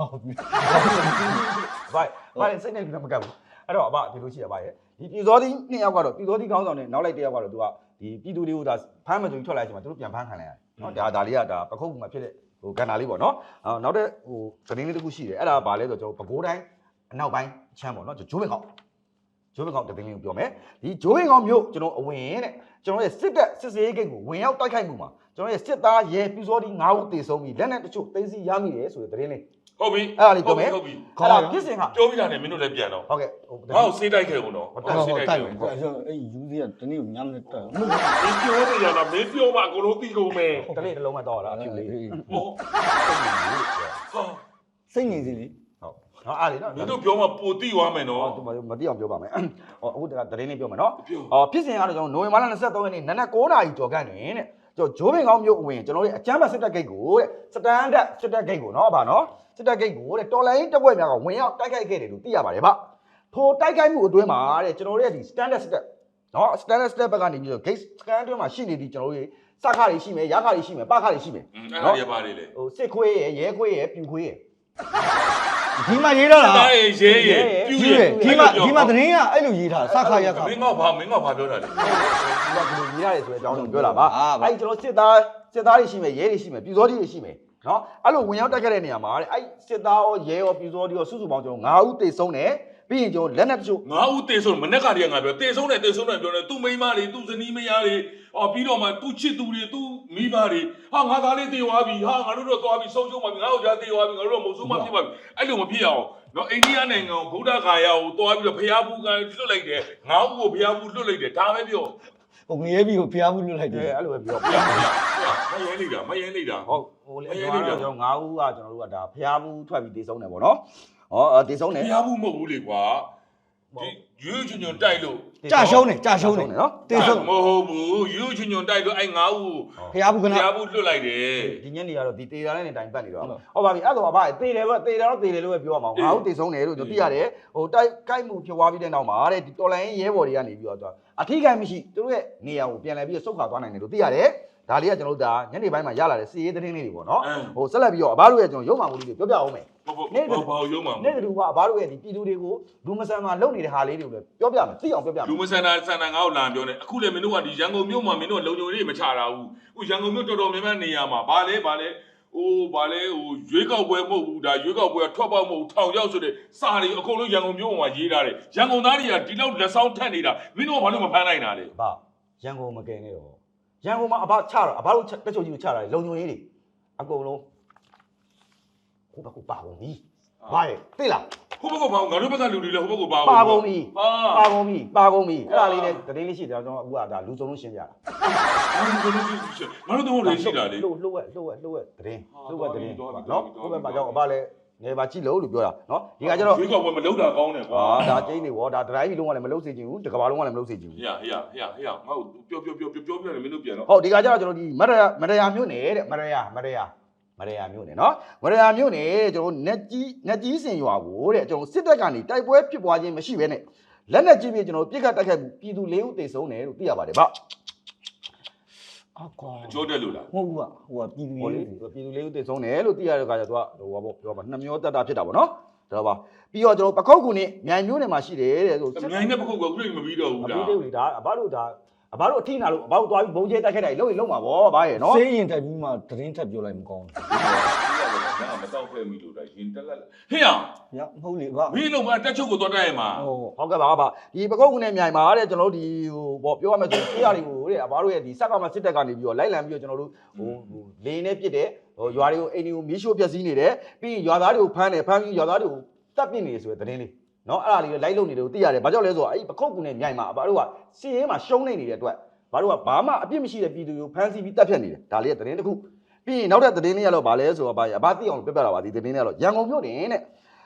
ဘာဘာစိတ်နဲ့မကပ်ဘူးအဲ့တော့အဘဒီလိုရှိရပါရဲ့ဒီပြည်စောသီးနှစ်ယောက်ကတော့ပြည်စောသီးခေါင်းဆောင်နဲ့နောက်လိုက်တစ်ယောက်ကတော့သူကဒီပြည်သူတွေကိုဒါဖမ်းမကြုံထွက်လာချိန်မှာသူတို့ပြန်ဖမ်းခံလိုက်ရတယ်နော်ဒါဒါလေးကဒါပခုတ်မှာဖြစ်တဲ့ဟိုကန်တာလေးပေါ့နော်အော်နောက်တဲ့ဟိုသတင်းလေးတစ်ခုရှိတယ်အဲ့ဒါကဘာလဲဆိုတော့ကျွန်တော်ပဲခူးတိုင်းအနောက်ပိုင်းချမ်းပေါ့နော်ဂျိုးဘင်ကောင်ဂျိုးဘင်ကောင်သတင်းလေးကိုပြောမယ်ဒီဂျိုးဘင်ကောင်မျိုးကျွန်တော်အဝင်တဲ့ကျွန်တော်ရဲ့စစ်တပ်စစ်စေးဂိတ်ကိုဝင်ရောက်တိုက်ခိုက်မှုမှာကျွန်တော်ရဲ့စစ်သားရဲပြည်စောသီး၅ဦးတေဆုံးပြီးလက်နက်တချို့သိမ်းဆည်းရမိတယ်ဆိုတဲ့သတင်းလေး
ဟုတ်ပြီ
အဲ့ဒါလေးပြောမယ်
ဟုတ်ပြီ
အဲ့ဒါပြစ်စင်က
ပြောပြီးတာနဲ့မင်းတို့လည်းပြန်တော့
ဟုတ်ကဲ့ဟို
ငါ့ကိုစေးတိုက်ခဲ့ဦးတော့
ဟုတ်ဟုတ်တိုက်တယ်အဲ့ယူသေးကတနေ့ညမနဲ့တက်
မင်းပြောနေရတာမင်းပြောမှအကုန်လုံးသိကုန်မယ်
တလေးတစ်လုံးမဲ့တော့လားအဖြူလေး
ဟုတ်ဟာ
စိတ်ငြိမ်စီလေ
ဟုတ်နော်အားလေနော်
မင်းတို့ပြောမှပိုတိသွားမယ်နော်
ဟောမတိအောင်ပြောပါမယ်ဟောအခုတသတင်းလေးပြောမယ်နော်ဟောဖြစ်စဉ်ကတော့ကျွန်တော်နိုဝင်ဘာလ၂၃ရက်နေ့နနက်၉နာရီကျော်ခန့်တွင်တဲ့ကျွန်တော်ဂျိုးပင်ကောင်းမြို့အဝင်ကျွန်တော်တို့အကျမ်းဘတ်စစ်တပ်ဂိတ်ကိုတဲ့စတန်ဒတ်စစ်တပ်ဂိတ်ကိုနော်ဗာနော်စစ်တပ်ဂိတ်ကိုတဲ့တော်လိုင်းတပ်ဖွဲ့များကဝင်ရောက်တိုက်ခိုက်ခဲ့တယ်လို့သိရပါတယ်ဗျထိုတိုက်ခိုက်မှုအတွင်းမှာတဲ့ကျွန်တော်တို့ရဲ့ဒီ standard စစ်တပ်နော် standard စစ်တပ်ဘက်ကနေပြီးတော့ gate scan အတွင်းမှာရှိနေသည့်ကျွန်တော်တို့ရဲ့စခါတွေရှိမယ်ရခါတွေရှိမယ်ပခါတွေရှိမယ်
အဲ့ဒါရပါတယ်လေ
ဟိုစစ်ခွေးရယ်ရဲခွေးရယ်ပြူခွေးရယ်
ဒီမှာရေးတော့လား
တားရေရဲရဲပြူ
ဒီ
ရဲ
ဒီမှာဒီမှာသတင်းကအဲ့လိုရေးထားစခါရက်ခါ
မင်းကဘာမင်းကဘာပြောတာလဲ
ဒီကဒီလိုရေးရတယ်ဆိုတဲ့အကြောင်းကိုပြောတာပါအဲ့ကျွန်တော်စစ်သားစစ်သားတွေရှိမယ်ရဲတွေရှိမယ်ပြည်စောတွေရှိမယ်နော်အဲ့လိုဝင်ရောက်တိုက်ခဲ့တဲ့နေရာမှာတဲ့အဲ့စစ်သားရောရဲရောပြည်စောတွေရောစုစုပေါင်းကျွန်တော်၅ဦးတေဆုံးတယ်ပြီးရင်ကျွန်တော်လက်နက်တချို့
ငါ့ဦးတေဆုံးမနေ့ကတည်းကငါပြောတေဆုံးတယ်တေဆုံးတယ်ပြောတယ်သူ့မိန်းမတွေသူ့ဇနီးမယားတွေအော်ပြီးတော့မှသူ့ချစ်သူတွေသူ့မိဘတွေဟာငါသားလေးတေသွားပြီဟာငါတို့တော့သွားပြီဆုံးရှုံးပါပြီငါတို့ကြားတေသွားပြီငါတို့တော့မဟုတ်ဆုံးမဖြစ်ပါဘူးအဲ့လိုမဖြစ်အောင်နော်အိန္ဒိယနိုင်ငံကိုဗုဒ္ဓဂါယာကိုသွားပြီးတော့ဖျားဘူးကလွတ်လိုက်တယ်ငါ့ဦးကိုဖျားဘူးလွတ်လိုက်တယ်ဒါပဲပြော
ဟိုငရဲပြီးကိုဖျားမှုလွတ်လိုက်တယ်
အဲ့လိုပဲပြော
ဖျားဖျားမရဲနေတာမရဲနေတာ
ဟုတ်ဟိုလေကျွန်တော်ကျွန်တော်၅ဦးကကျွန်တော်တို့ကဒါဖျားဘူးထွက်ပြီးတေဆုံးတယ်ပေါ့နော်ဟောတေဆုံးတယ်
ဖျားဘူးမဟုတ်ဘူးလေကွာဒီယူချွန်ချွန်တိုက်လို့
ကြာရှုံးတယ်ကြာရှုံးတယ်
နော်
တေဆုံး
မဟုတ်ဘူးယူချွန်ချွန်တိုက်လို့အဲ့ငါ့ဦး
ဖျားဘူးက
ဖ
နာ
ျားဘူးလွတ်လိုက်တယ်
ဒီညနေကတော့ဒီတေတာနဲ့တိုင်ပတ်နေတော့ဟုတ်ပါပြီအဲ့တော့အဘတေတယ်ပဲတေတယ်တော့တေတယ်လို့ပဲပြောရမှာငါ့ဦးတေဆုံးတယ်လို့ကျွန်တော်သိရတယ်ဟိုတိုက်ကိုက်မှုဖြစ်သွားပြီးတဲ့နောက်မှာတဲ့ဒီတော်လိုင်းရဲဘော်တွေကနေပြီးတော့အထီးကိုက်မရှိသူတို့ရဲ့နေရာကိုပြန်လဲပြီးတော့စုတ်ခါသွားနိုင်တယ်လို့သိရတယ်ဒါလေးကကျွန်တော်တို့ဒါညနေပိုင်းမှာရလာတဲ့စီရေးသတင်းလေးတွေပေါ့နော်ဟိုဆက်လက်ပြီးတော့အဘတို့ရဲ့ကျွန်တော်ရုံမှမှုလေးတွေပြောပြအောင်မယ်
ဟုတ်ဟုတ်ဘာရုံးမှာ
နေ့တူကအဘတို့ရဲ့ဒီပြည်သူတွေကိုလူမဆန်မှာလုပ်နေတဲ့ဟာလေးတွေကိုလည်းပြောပြမယ်သိအောင်ပြောပြမယ်
လူမဆန္ဒဆန္ဒငါ့ကိုလာပြောနေအခုလည်းမင်းတို့ကဒီရန်ကုန်မြို့မှာမင်းတို့လုံခြုံရေးမချတာဘူးအခုရန်ကုန်မြို့တော်တော်များများနေရာမှာဘာလဲဘာလဲဟိုဘာလဲဟိုရွေးကောက်ပွဲမဟုတ်ဘူးဒါရွေးကောက်ပွဲကထွက်ပေါက်မဟုတ်ထောင်ရောက်ဆိုတဲ့စာတွေအကုန်လုံးရန်ကုန်မြို့မှာရေးထားတယ်ရန်ကုန်သားတွေကဒီလောက်လက်ဆောင်ထက်နေတာမင်းတို့ကဘာလို့မဖမ်းနိုင်တာလဲ
အဘရန်ကုန်မကင်နဲ့တော့ရန်ကုန်မှာအဘချတော့အဘတို့တက်ချုပ်ကြီးကိုချတာလေလုံခြုံရေးတွေအကုန်လုံးဟိုဘက်ကပါကုန်ပြီဘာရဲ့သိလား
ဟိုဘက်ကဘာငါတို့ဘက်ကလူတွေလည်းဟိုဘက်ကပါ
ပါကုန်ပြီ
ဟာ
ပါကုန်ပြီပါကုန်ပြီအဲ့ဒါလေးနဲ့သတင်းလေးရှိတယ်ကျွန်တော်အခုကဒါလူစုံလုံးရှင်းပြတာ
ငါတို့တော့လည်းရှိတာလေ
လှုပ်လှုပ်ဝက်လှုပ်ဝက်လှုပ်ဝက်သတင်းလှုပ်ဝက်သတင်းနော်ဟိုဘက်မှာကြောင့်အဘလည်းငယ်ပါကြည့်လို့လို့ပြောတာနော်ဒီကကျတော့
ရွေးကောက်ပွဲမလုပ်တာကောင်းတယ်ကွာ
ဟာဒါကျင်းနေဗောဒါဒရိုင်းဘီလုံးကလည်းမလုပ်စေချင်ဘူးတကဘာလုံးကလည်းမလုပ်စေချင်ဘူး
ဟေ့ဟေ့ဟေ့ဟေ့ငါ့ကိုပြောပြောပြောပြောပြောနေမင်းတို့ပြန်တော့
ဟုတ်ဒီကကျတော့ကျွန်တော်ဒီမရယာမရယာမြို့နယ်တဲ့မရယာမရယာမရယာမြို့နယ်နော်မရယာမြို့နယ်ကျွန်တော်နက်ကြီးနက်ကြီးစင်ရွာကိုတဲ့ကျွန်တော်စစ်တပ်ကနေတိုက်ပွဲဖြစ်ပွားခြင်းမရှိဘဲနဲ့လက်နက်ကြီးပြကျွန်တော်ပြစ်ခတ်တိုက်ခိုက်မှုပြည်သူလေးဦးသေဆုံးတယ်လို့သိရပါတယ်ဗျ
အကွာ
ကြောတက်လို့လား
မဟုတ်ဘူးကဟိုကပြည်သူ
ဟိုလေ
ရေး
ပြည်သူလေးဦးသေဆုံးတယ်လို့သိရတဲ့အခါကျတော့သူကဟိုပါပေါ့ပြောပါနှမျောတက်တာဖြစ်တာပေါ့နော်ဒါတော့ပါပြီးတော့ကျွန်တော်ပခုတ်ကူနဲ့မြိုင်မျိုးနယ်မှာရှိတယ်တဲ့ဆို
အမြိုင်နဲ့ပခုတ်ကခုလည်းမပြီးတော့ဘူး
အ
လား
ပြီးသေးဘူးလေဒါအဘတို့ဒါအဘတို့အထီးနာလို့အဘတို့သွားပြီးဘုံကျဲတိုက်ခိုက်တာလုံးရင်လုံးမှာဗောဘာရဲ့နော်
စေးရင်တိုက်ပြီးမှသတင်းထပ်ပြောလိုက်မကောင်း
ငါမတော့ဖွဲ့မိလို့ဒါရင်တက်လက်ဟေ့ရ
ဘူးညမဟုတ်လေဗျ
မင်းလုံးကတက်ချုပ်ကိုတော့တိုက်ရမှာ
ဟို
ဟုတ်ကဲ့ပါပါဒီပခုတ်ကူနဲ့မြိုင်မှာတဲ့ကျွန်တော်တို့ဒီဟိုဗောပြောရမယ်ဆိုရင်တရားတွေကိုတဲ့အဘတို့ရဲ့ဒီစက်ကမှစစ်တပ်ကနေပြီးတော့လိုက်လံပြီးတော့ကျွန်တော်တို့ဟိုဟိုလေနဲ့ပြစ်တယ်ဟိုရွာတွေကိုအိမ်တွေကိုမီးရှို့ပျက်စီးနေတယ်ပြီးရင်ရွာသားတွေကိုဖမ်းတယ်ဖမ်းပြီးရွာသားတွေကိုတပ်ပစ်နေတယ်ဆိုတဲ့သတင်းလေးနော်အဲ့ဒါလေးလိုက်လုံနေတယ်ကိုသိရတယ်ဘာကြောင့်လဲဆိုတော့အဲ့ဒီပခုတ်ကူနဲ့မြိုင်မှာအဘတို့ကစီးရဲမှာရှုံးနေနေတဲ့အတွက်ဘာတို့ကဘာမှအပြစ်မရှိတဲ့ပြည်သူတွေကိုဖမ်းဆီးပြီးတပ်ဖြတ်နေတယ်ဒါလေးကသတင်းတစ်ခုပြီးရင်နောက်တဲ့သတင်းလေးကတော့ဗာလဲဆိုတော့ဗာအဘသိအောင်ပြပြတာပါဒီသတင်းလေးကတော့ရန်ကုန်မြို့တင်တဲ့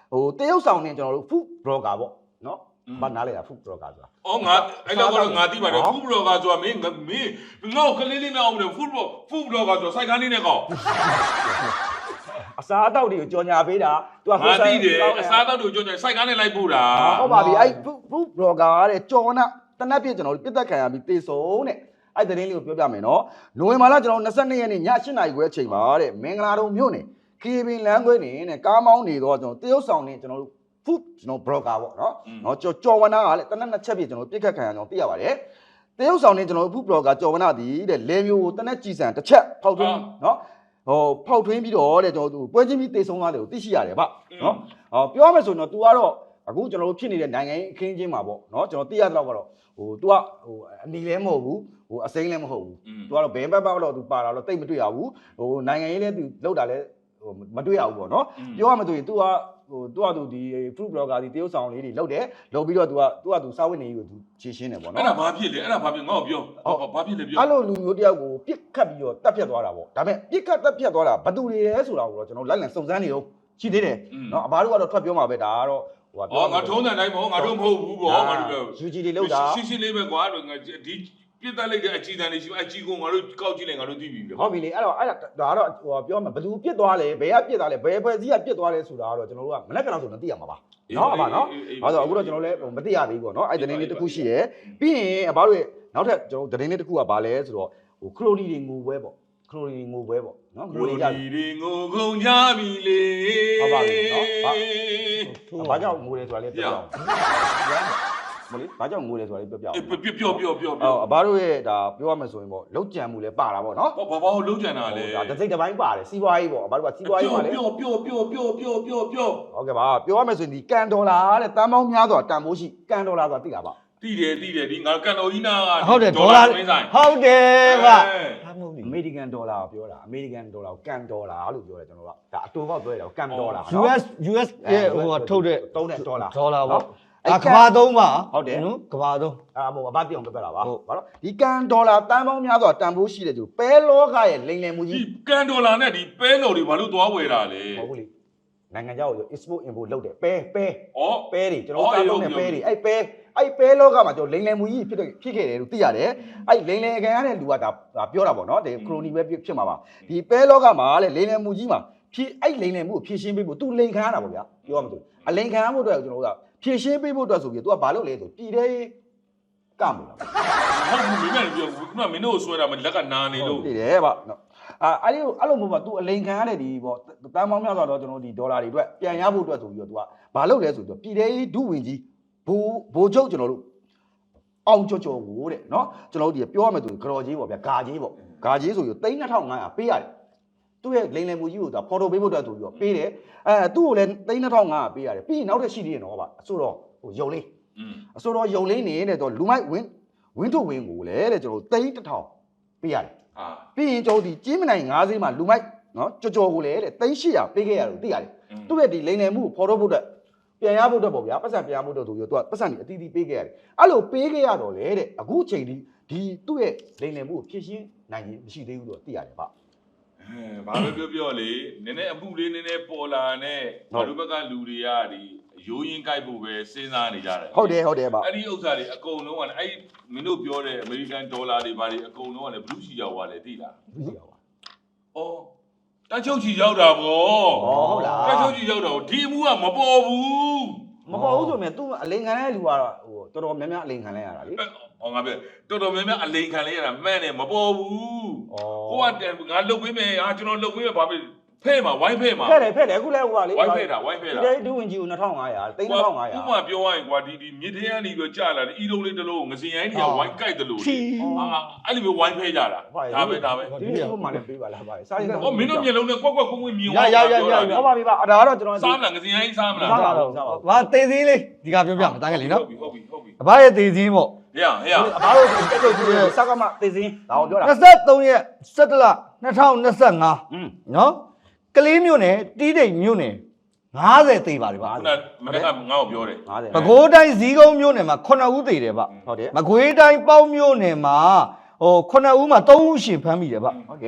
ဟိုတရုတ်ဆောင်နေကျွန်တော်တို့ food blogger ပေါ့နော်ဘာနားလဲတာ food blogger ဆိုတာ
အော်ငါအဲ့တော့ကတော့ငါတိပါတယ်ဖူဘလော့ကဆိုတာမင်းမင်းငါ့ကိုကလေးလေးနဲ့အောင်တယ်ဖူဘလော့ဖူဘလော့ကဆိုစိုက်ကားလေးနဲ့ကော
အစားအသောက်တွေကိုကြော်ညာပေးတာ तू က
ငါတိတယ်အစားတော့တို့ကြောင့်စိုက်ကားနဲ့လိုက်ပို့တာ
ဟုတ်ပါပြီအဲ့ food blogger တဲ့ကြော်နာတနက်ပြည့်ကျွန်တော်တို့ပြစ်သက်ခံရပြီးတေဆုံးတဲ့အဲ့တရင်လေးကိုပြောပြမယ်နော်နိုဝင်ဘာလကျွန်တော်၂၂ရက်နေ့ည၈နာရီခွဲအချိန်မှာတဲ့မင်္ဂလာတုံမြို့နယ်ကေဘင်လမ်းခွဲနေနဲ့ကားမောင်းနေတော့ကျွန်တော်တရုတ်ဆောင်နေကျွန်တော်တို့ food ကျွန်တော် blogger ပေါ့နော်နော်ကြော်ကြော်ဝနာကလည်းတနက်နှစ်ချက်ပြည့်ကျွန်တော်ပြစ်ခတ်ခံရအောင်သိရပါတယ်တရုတ်ဆောင်နေကျွန်တော်တို့ food blogger ကြော်ဝနာဒီတဲ့လေမျိုးကိုတနက်ကြည်စံတစ်ချက်ဖောက်ထွင်းနော်ဟိုဖောက်ထွင်းပြီးတော့တဲ့ကျွန်တော်တို့ပွဲချင်းပြီးတေဆုံးသွားတယ်ကိုသိရှိရတယ်ဗျနော်ဟောပြောမယ်ဆိုရင်တော့ तू ကတော့အခုကျွန်တော်တို့ဖြစ်နေတဲ့နိုင်ငံရေးအခင်းချင်းမှာပေါ့နော်ကျွန်တော်သိရတော့ကတော့ဟို तू ကဟိုအနီလည်းမဟုတ်ဘူးဟိုအစိမ်းလည်းမဟုတ်ဘူး तू ကတော့ဘယ်ဘက်ဘက်တော့ तू ပါတာတော့တိတ်မတွေ့ရဘူးဟိုနိုင်ငံရေးလည်း तू လောက်တာလည်းဟိုမတွေ့ရဘူးပေါ့နော်ပြောရမယ်ဆိုရင် तू ကဟို तू က तू ဒီ fruit blogger ဒီတရုတ်ဆောင်လေးတွေလောက်တယ်လောက်ပြီးတော့ तू က तू က तू စာဝတ်နေကြီးကို तू ခြေရှင်းတယ်ပေါ့နော်
အဲ့ဒါဘာဖြစ်လဲအဲ့ဒါဘာဖြစ်ငါ့ကိုပြောဘာဖြစ်လဲပြော
အဲ့လိုလူမျိုးတယောက်ကိုပြစ်ခတ်ပြီးတော့တက်ဖြတ်သွားတာပေါ့ဒါပေမဲ့ပြစ်ခတ်တက်ဖြတ်သွားတာဘယ်သူတွေလဲဆိုတာကိုတော့ကျွန်တော်လိုက်လံစုံစမ်းနေတော့ရှိသေးတယ်နော်အဘတို့ကတော့ထွက်ပြောမှာပဲဒါကတော့ဟိုက
အော်ငါထုံးတဲ့တိုင်းမဟုတ်ငါတို့မဟုတ်ဘူးပေါ့ငါတို့ပြော
ယူဂျီတွေလောက်တာ
ရှင်းရှင်းလေးပဲကွာဒီပြစ်တက်လိုက်တဲ့အချီတန်လေးရှိအချီကိုငါတို့ကောက်ကြည့်လိုက်ငါတို့သိပြီ
ဟုတ်ပြီလေအဲ့တော့အဲ့ဒါဒါကတော့ဟိုပြောမှာဘယ်သူပြစ်သွားလဲဘယ်ကပြစ်သွားလဲဘယ်ဖွဲ့စည်းကပြစ်သွားလဲဆိုတာကတော့ကျွန်တော်တို့ကမနေ့ကတော့ဆိုတော့သိရမှာပါနော်အဘနော်ဘာလို့အခုတော့ကျွန်တော်လည်းမသိရသေးဘူးပေါ့နော်အဲ့သတင်းလေးတစ်ခုရှိရယ်ပြီးရင်အဘတို့ရဲ့နောက်ထပ်ကျွန်တော်သတင်းလေးတစ်ခုကဘာလဲဆိုတော့ဟိုခရိုနီတွေငိုပွဲပေါ့ခရိုနီငိုပွဲပေါ့နော်ငိုနေကြပြီ
ဒီငိုကုန်ကြပြီလေ
ဟုတ်ပါပြီနော်ဘာကြောင့်ငိုလဲဆိုတာလေးပြောပြအောင်မလေးဘာကြောင့်ငိုလဲဆိုတာလေးပြောပြအောင်
ပြောပြောပြောပြော
အော်အဘတို့ရဲ့ဒါပြောရမယ်ဆိုရင်ပေါ့လောက်ကြံမှုလည်းပါတာပေါ့နော်
ဟောဘာဘာကိုလုံးကြံတာလဲ
ဒါတစ်စိတ်တစ်ပိုင်းပါတယ်စီးပွားရေးပေါ့အဘတို့ကစီးပွားရေးပါလေ
ပြောပြောပြောပြောပြောပြောပြော
ဟုတ်ကဲ့ပါပြောရမယ်ဆိုရင်ဒီကန်ဒေါ်လာတဲ့တန်ပေါင်းများစွာတန်ဖိုးရှိကန်ဒေါ်လာဆိုတာသိတာပါ
တိတယ်တိတယ်ဒီငါကန်တော်ကြီးနာက
ဟုတ်တယ်ဒေါ်လာဟုတ်တယ်ဗျဟာမဟုတ်ဘူး
အမေရိကန်ဒေါ်လာကိုပြောတာအမေရိကန်ဒေါ်လာကိုကန်ဒေါ်လာလို့ပြောတယ်ကျွန်တော်ကဒါအတူပေါက်ပြောရတာကန်ဒေါ်လာ
US US ရဲ့ဟိုထုတ်တဲ့
တုံးတဲ့ဒေါ်လာ
ဒေါ်လာပေါ့အဲ့ကဘာသုံးပါ
ဟုတ်တယ်
နော်ကဘာသုံး
အာမို့အဘတိအောင်ပြောပြတာပါဟုတ်ပါတော့ဒီကန်ဒေါ်လာတန်ပေါင်းများစွာတန်ဖိုးရှိတဲ့သူပဲလောကရဲ့လိမ်လည်မှု
ဒီ
ကြီး
ကန်ဒေါ်လာနဲ့ဒီပဲတော်တွေဘာလို့သွားဝယ်တာလဲ
ဟုတ်ဘူးလေနိုင်ငံခြားကို export import လုပ်တယ်ပဲပဲ
ဩ
ပဲတွေကျွန်တော်တို့စားသုံးတဲ့ပဲတွေအဲ့ပဲအဲ့ပဲလောကမှာကျွန်တော်လိမ်လည်မှုကြီးဖြစ်ဖြစ်ခဲ့တယ်လို့သိရတယ်အဲ့လိမ်လည်ခံရတဲ့လူကဒါပြောတာပေါ့နော်ဒီခရိုနီပဲဖြစ်မှာပါဒီပဲလောကမှာလေလိမ်လည်မှုကြီးမှာဖြစ်အဲ့လိမ်လည်မှုကိုဖြည့်ရှင်းပေးဖို့သူလိမ်ခံရတာပေါ့ဗျာပြောရမှာဆိုအလိမ်ခံရဖို့အတွက်ကျွန်တော်တို့ကဖြည့်ရှင်းပေးဖို့အတွက်ဆိုပြီး तू ကဘာလုပ်လဲဆိုပြည်တဲ့ကမလို့
ဟုတ်ဘူးမင်းလည်းပြောခုနမင်းတို့ဆွဲတာမလက်ကနာနေလို့
သိတယ်ဗျနော်အာအဲ့ဒီအဲ့လိုမျိုးပါ तू အလိမ်ခံရတဲ့ဒီပေါ့တန်ပေါင်းများစွာတော့ကျွန်တော်ဒီဒေါ်လာတွေအတွက်ပြန်ရဖို့အတွက်ဆိုပြီးတော့ तू ကဘာလုပ်လဲဆိုတော့ပြည်တဲ့ဒုဝင်ကြီးဘိုးဘိုးချုပ်ကျွန်တော်တို့အောင်ကြော်ကြော်ကိုတဲ့နော်ကျွန်တော်တို့ဒီပြောရမယ်ဆိုရင်ကြော်ကြီးပေါ့ဗျာဂါကြီးပေါ့ဂါကြီးဆိုပြီးသိန်းနှစ်ထောင်ငါးရာပေးရတယ်သူ့ရဲ့လိမ်လည်မှုကြီးကိုဒါဖော်တိုပေးဖို့အတွက်ဆိုပြီးတော့ပေးတယ်အဲသူ့ကိုလည်းသိန်းနှစ်ထောင်ငါးရာပေးရတယ်ပြီးရင်နောက်ထပ်ရှိသေးတယ်နော်ဗျအဆိုတော့ဟိုယုံလေးအဆိုတော့ယုံလေးနေတဲ့တော့လူမိုက်ဝင်းဝင်းထုတ်ဝင်းကိုလည်းတဲ့ကျွန်တော်သိန်းတစ်ထောင်ပေးရတယ်ဟာပြီးရင်ကျွန်တော်ဒီကြီးမနိုင်ငါးဈေးမှာလူမိုက်နော်ကြော်ကြော်ကိုလည်းတဲ့သိန်း၈ရာပေးခဲ့ရလို့သိရတယ်သူ့ရဲ့ဒီလိမ်လည်မှုကိုဖော်ထုတ်ဖို့အတွက်ပြန်ရဖို့အတွက်ပေါ့ဗျာပတ်စံပြန်ရဖို့အတွက်ဆိုပြီးတော့သူကပတ်စံကြီးအတီးတီးပေးခဲ့ရတယ်အဲ့လိုပေးခဲ့ရတော့လေတဲ့အခုချိန်ဒီဒီသူ့ရဲ့လိမ်လည်မှုကိုဖြည့်ရှင်းနိုင်ရင်မရှိသေးဘူးလို့သိရတယ်ဗျ
အဲဘာပဲပြောပြောလေနည်းနည်းအမှုလေးနည်းနည်းပေါ်လာနဲ့ဘာလို့ဘက်ကလူတွေကဒီရိုးရင်းကြိုက်ဖို့ပဲစဉ်းစားနေကြတယ်
ဟုတ်တယ်ဟုတ်တယ်ဗျ
အဲ့ဒီဥစ္စာတွေအကုန်လုံးကလည်းအဲ့မင်းတို့ပြောတဲ့အမေရိကန်ဒေါ်လာတွေဘာတွေအကုန်လုံးကလည်းဘလူးချီရောက်သွားတယ်သိလား
သိရပါ
အော်တန်းချုပ်ချီရောက်တာဗော
ဟုတ်လား
တန်းချုပ်ချီရောက်တာဒီအမှုကမပေါ်ဘူး
မပေါ်ဘူးဆိုမြဲ तू အလိန်ခံတဲ့လူကတော့ဟိုတော်တော်များများအလိန်ခံလဲရတာလေ
ဟောငါပြောတော်တော်များများအလိန်ခံလဲရတာမှန်တယ်မပေါ်ဘူး
ဩ
ဟိုကငါလုတ်ပေးမယ်ဟာကျွန်တော်လုတ်ပေးမယ်ဘာဖြစ်ဖဲ့မှာဝိုင်းဖဲ့မှာ
ဖဲ့တယ်ဖဲ့တယ်အခုလဲဟိုကလေ
ဝိုင်းဖဲ့တာဝိုင်းဖဲ့တာ
ဒီဒူဝင်ကြီးကိုနှစ်ထောင်ငါးရာသိန်းနှစ်ထောင်ငါးရာ
ဥပမာပြောရရင်ကွာဒီဒီမြစ်ထဲကနေပြီးကြာလာတယ်အီလုံးလေးတစ်လုံးငစင်ရိုင်းတွေကဝိုင်းကြိုက်တယ်လို့ဟာအဲ့လိုမျိုးဝိုင်းဖဲ့ကြတာဒါပဲဒါပဲ
ဒီဟိုမှလည်းပေးပါလားဗျစားရင်
ဟောမင်းတို့မျက်လုံးနဲ့ကွက်ကွက်ကွင်းကွင်းမြင်
ရရရရဟုတ်ပါပြီဗျဒါကတော့ကျွန်တော်
စားမလားငစင်ရိုင်းစားမလား
စားပါတော့စားပါ
ဘာတေးသေးလေးဒီကပြောပြမှာတားခဲ့လေနော်
ဟုတ်ပြီဟုတ်ပြီ
အဘရဲ့တေးစင်းပေါ့
ဟေ့ဟေ့
အဘာလို့တက်ချုပ်ကြီးစကားမသိစင်းဒါကိုပြောတာ
၂၃ရက်၁၇လ၂၀၂၅
อืม
နော်ကလေးမြို့နယ်တီးတိမ်မြို့နယ်၅၀သေးပါလေဗျ
ခုနမနေ့ကငါ့ကိုပြောတယ်
ငါးဆယ်
ပဲခူးတိုင်းဇီးကုန်းမြို့နယ်မှာ9ဦးသေးတယ်ဗျ
ဟုတ်တယ်
မကွေးတိုင်းပေါင်းမြို့နယ်မှာဟို9ဦးမှာ3ဦးရှင်ဖမ်းမိတယ်ဗျ
ဟုတ်ကဲ့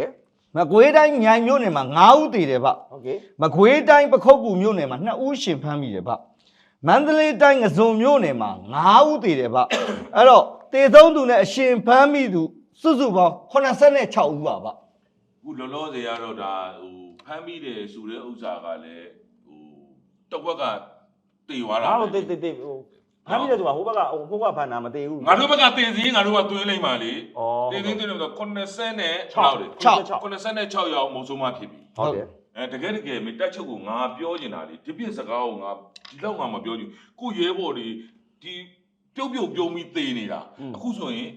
မကွေးတိုင်းမြိုင်မြို့နယ်မှာငါးဦးတည်တယ်ဗျ
ဟုတ်ကဲ့
မကွေးတိုင်းပခုတ်ကူမြို့နယ်မှာနှစ်ဦးရှင်ဖမ်းမိတယ်ဗျမန္တလေးတိုင်းငစုံမြို့နယ်မှာငါးဦးတည်တယ်ဗျအဲ့တော့တေဆုံးသူနဲ့အရှင်ဖမ်းမိသူစုစုပေါင်းeighty-sixဦးပါဗျ
ခုလောလောဆယ်ကတော့ဒါဟိုဖမ်းပြီးတယ်ဆိုတဲ့ဥစ္စာကလည်းဟိုတော့ဘက်ကတေသွားတာ
ငါတို့တိတ်တိတ်တိတ်ဟိုဖမ်းပြီးတယ်ဆိုတာဟိုဘက်ကဟိုဘက်ကဖမ်းတာမသေးဘူး
ငါတို့ဘက်ကတင်စီငါတို့ကသွင်းလိုက်ပါလေ
ဩ
တင်စီတင်လို့ဆို86နဲ့6လေ 86ရောက်မုံဆုံးမဖြစ်ပြီ
ဟုတ်တယ်
အဲတကယ်တကယ်မတက်ချုပ်ကိုငါပြောနေတာလေဒီပြစ်စကားကိုငါဒီလောက်ငါမပြောချင်ကိုရဲဘော်တွေဒီပြုတ်ပြုတ်ပြုံးပြီးသေနေတာအခုဆိုရင်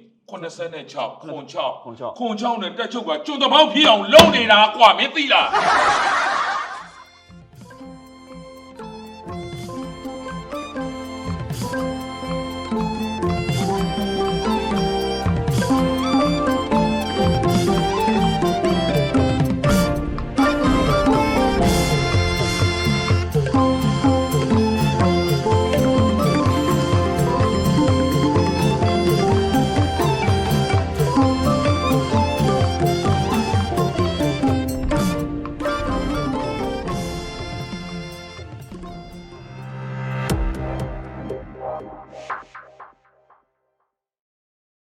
86ခွန်6ခွန်6နဲ့တက်ချုပ်ကကျွတ်တပေါက်ဖြစ်အောင်လုပ်နေတာကွာမင်းသိလား